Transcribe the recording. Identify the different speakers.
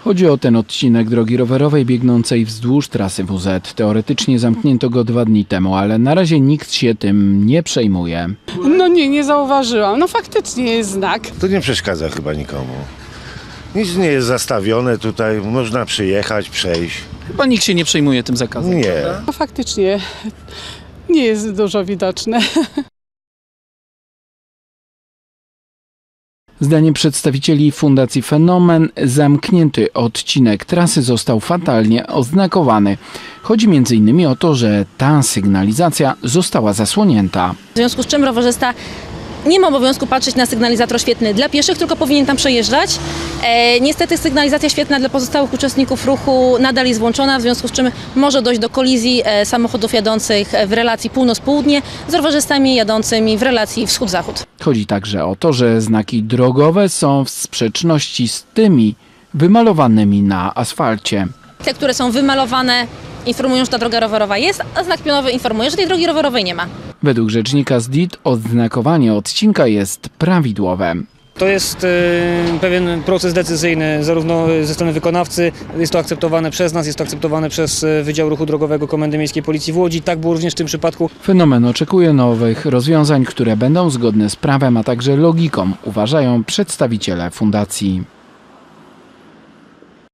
Speaker 1: Chodzi o ten odcinek drogi rowerowej biegnącej wzdłuż trasy WZ. Teoretycznie zamknięto go 2 dni temu, ale na razie nikt się tym nie przejmuje.
Speaker 2: No nie zauważyłam. No faktycznie jest znak.
Speaker 3: To nie przeszkadza chyba nikomu. Nic nie jest zastawione tutaj, można przyjechać, przejść.
Speaker 4: Chyba nikt się nie przejmuje tym zakazem.
Speaker 3: Nie.
Speaker 2: No faktycznie nie jest dużo widoczne.
Speaker 1: Zdaniem przedstawicieli Fundacji Fenomen zamknięty odcinek trasy został fatalnie oznakowany. Chodzi m.in. o to, że ta sygnalizacja została zasłonięta.
Speaker 5: W związku z czym rowerzysta nie ma obowiązku patrzeć na sygnalizator świetlny dla pieszych, tylko powinien tam przejeżdżać. Niestety sygnalizacja świetlna dla pozostałych uczestników ruchu nadal jest włączona, w związku z czym może dojść do kolizji samochodów jadących w relacji północ-południe z rowerzystami jadącymi w relacji wschód-zachód.
Speaker 1: Chodzi także o to, że znaki drogowe są w sprzeczności z tymi wymalowanymi na asfalcie.
Speaker 5: Te, które są wymalowane, informują, że ta droga rowerowa jest, a znak pionowy informuje, że tej drogi rowerowej nie ma.
Speaker 1: Według rzecznika ZDIT oznakowanie odcinka jest prawidłowe.
Speaker 6: To jest pewien proces decyzyjny zarówno ze strony wykonawcy, jest to akceptowane przez nas, jest to akceptowane przez Wydział Ruchu Drogowego Komendy Miejskiej Policji w Łodzi. Tak było również w tym przypadku.
Speaker 1: Fenomen oczekuje nowych rozwiązań, które będą zgodne z prawem, a także logiką, uważają przedstawiciele fundacji.